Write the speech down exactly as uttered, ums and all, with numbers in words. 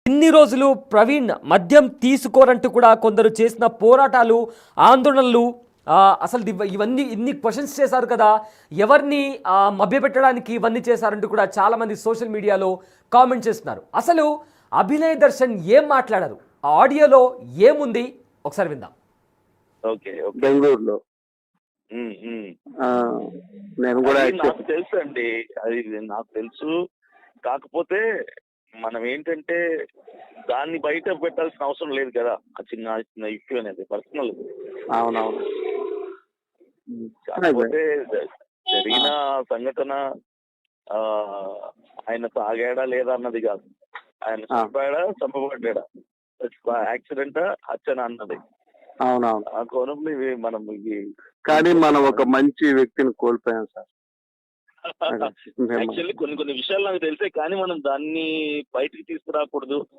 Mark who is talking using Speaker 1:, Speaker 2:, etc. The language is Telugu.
Speaker 1: ఇన్ని రోజులు ప్రవీణ్ మద్యం తీసుకోరంటూ కూడా కొందరు చేసిన పోరాటాలు, ఆందోళనలు, ఆహ్, అసలు ఇవ ఇవన్నీ ఇన్ని క్వెషన్స్ చేశారు కదా! ఎవరిని ఆహ్, మభ్యపెట్టడానికి ఇవన్నీ చేశారంటూ కూడా చాలామంది సోషల్ మీడియాలో కామెంట్ చేస్తున్నారు. అసలు అభినయ్ దర్శన్ ఏం మాట్లాడారు? ఆ ఆడియోలో ఏముంది? ఒకసారి విందాం.
Speaker 2: ఓకే. ఓకే.
Speaker 3: బెంగుళూరులో.
Speaker 2: హ్మ్. హ్మ్.
Speaker 3: ఆ! నేను గూడా
Speaker 2: అది
Speaker 3: యాక్చువల్
Speaker 2: నాకు తెలుసండి. అది నాకు తెలుసు. కాకపోతే మనం ఏంటంటే దాన్ని బయట పెట్టాల్సిన అవసరం లేదు కదా! ఆ చిన్న చిన్న ఇష్యూ అనేది పర్సనల్.
Speaker 3: అవునవును. హ్మ్. అదే.
Speaker 2: కాకపోతే జ జరిగిన
Speaker 3: ఆ!
Speaker 2: సంఘటన ఆహ్, ఆయన తాగాడా లేదా అన్నది కాదు. ఆయన
Speaker 3: ఆ!
Speaker 2: చంపాడా? చంపబడ్డాడా? యాక్సిడెంటా? హత్యనా అన్నది.
Speaker 3: అవునవును.
Speaker 2: ఆ కోణంలో ఇవి మనం ఇవి
Speaker 3: కానీ మనం ఒక మంచి వ్యక్తిని కోల్పోయాం సార్. అదే. మేము
Speaker 2: యాక్చువల్లీ కొన్ని కొన్ని విషయాలు నాకు తెలిసే కానీ మనం దాన్ని బయటికి తీసుకురాకూడదు.